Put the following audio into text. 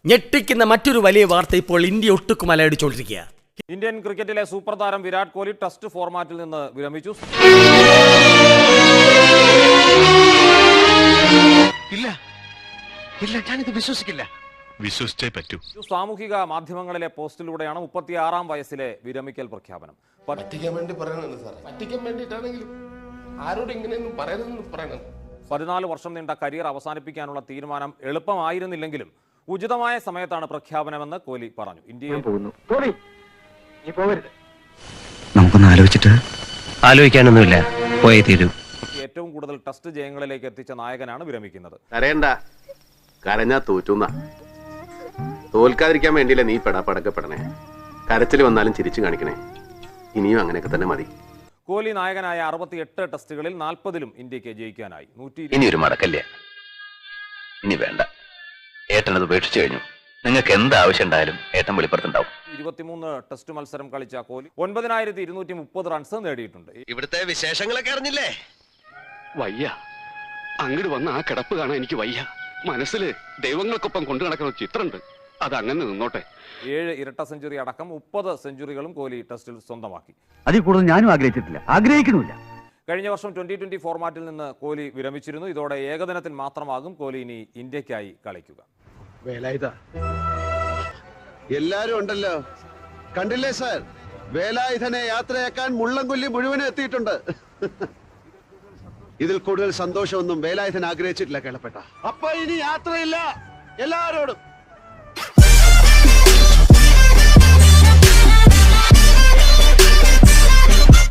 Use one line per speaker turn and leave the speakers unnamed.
ഞെട്ടിക്കുന്ന മറ്റൊരു വലിയ വാർത്ത ഇപ്പോൾ ഇന്ത്യ ഒട്ടുക്കും അലയടിച്ചുകൊണ്ടിരിക്കുക.
ഇന്ത്യൻ ക്രിക്കറ്റിലെ സൂപ്പർ താരം വിരാട് കോഹ്ലി ടെസ്റ്റ് ഫോർമാറ്റിൽ നിന്ന് വിരമിച്ചു.
ഇല്ല ഞാനിത് വിശ്വസിക്കില്ല. വിശ്വസിച്ചേ പറ്റൂ.
സാമൂഹിക മാധ്യമങ്ങളിലെ പോസ്റ്റിലൂടെയാണ് 36-ാം വയസ്സിലെ വിരമിക്കൽ പ്രഖ്യാപനം.
പറ്റിക്കാൻ വേണ്ടി പറയണത് സാറേ, പറ്റിക്കാൻ വേണ്ടിയിട്ടാണെങ്കിലും ആരോട് ഇങ്ങനെയൊന്നും പറയരുതെന്ന് പറയണം.
14 വർഷം നീണ്ട കരിയർ അവസാനിപ്പിക്കാനുള്ള തീരുമാനം എളുപ്പമായിരുന്നില്ലെങ്കിലും ഉചിതമായ സമയത്താണ് പ്രഖ്യാപനമെന്ന് കോഹ്ലി പറഞ്ഞു. ഇന്ത്യയിൽ
നമുക്കൊന്ന് ആലോചിക്കാനൊന്നുമില്ല, പോയേ തീരൂ.
ഏറ്റവും കൂടുതൽ ടെസ്റ്റ് ജയങ്ങളിലേക്ക് എത്തിച്ച നായകനാണ് വിരമിക്കുന്നത്.
കരയണ്ട, കരഞ്ഞാ തോറ്റുന്ന. തോൽക്കാതിരിക്കാൻ വേണ്ടിയില്ല നീ പടക്കപ്പെടണേ. കരച്ചിൽ വന്നാലും ചിരിച്ചു കാണിക്കണേ. ഇനിയും അങ്ങനെയൊക്കെ തന്നെ മതി.
കോഹ്ലി നായകനായ 68 ടെസ്റ്റുകളിൽ 40-ലും ഇന്ത്യക്ക് ജയിക്കാനായി.
ഇനി ഒരു മടക്കല്ല, ഇനി വേണ്ട. ഏട്ടനത് ഉപേക്ഷിച്ചു കഴിഞ്ഞു. നിങ്ങൾക്ക് എന്ത് ആവശ്യം ഉണ്ടായാലും ഏട്ടൻ വെളിപ്പുറത്തുണ്ടാവും.
23 ടെസ്റ്റ് മത്സരം കളിച്ച കോഹ്ലി 9230 റൺസ് നേടിയിട്ടുണ്ട്.
ഇവിടുത്തെ വിശേഷങ്ങളൊക്കെ അറിഞ്ഞില്ലേ?
വയ്യ, അങ്ങോട്ട് വന്ന ആ കിടപ്പ് കാണാൻ എനിക്ക് വയ്യ. മനസ്സിൽ ദൈവങ്ങൾക്കൊപ്പം കൊണ്ടു നടക്കുന്ന ചിത്രമുണ്ട്, അത് അങ്ങനെ നിന്നോട്ടെ.
7 ഇരട്ട സെഞ്ചുറി അടക്കം 30 സെഞ്ചുറികളും കോഹ്ലി ടെസ്റ്റിൽ സ്വന്തമാക്കി.
അതിൽ കൂടുതൽ ഞാനും ആഗ്രഹിച്ചിട്ടില്ല, ആഗ്രഹിക്കുന്നില്ല.
കഴിഞ്ഞ വർഷം 2020 ഫോർമാറ്റിൽ നിന്ന് കോഹ്ലി വിരമിച്ചിരുന്നു. ഇതോടെ ഏകദിനത്തിൽ മാത്രമാകും കോഹ്ലി ഇനി ഇന്ത്യക്കായി കളിക്കുക.
എല്ലാരും ഉണ്ടല്ലോ, കണ്ടില്ലേ സാർ? വേലായുധനെ യാത്രയാക്കാൻ മുള്ളംകൊല്ലി മുഴുവനും എത്തിയിട്ടുണ്ട്. ഇതിൽ കൂടുതൽ സന്തോഷമൊന്നും വേലായുധൻ ആഗ്രഹിച്ചിട്ടില്ല കേളപ്പെട്ട. അപ്പൊ ഇനി യാത്രയില്ല എല്ലാരോടും.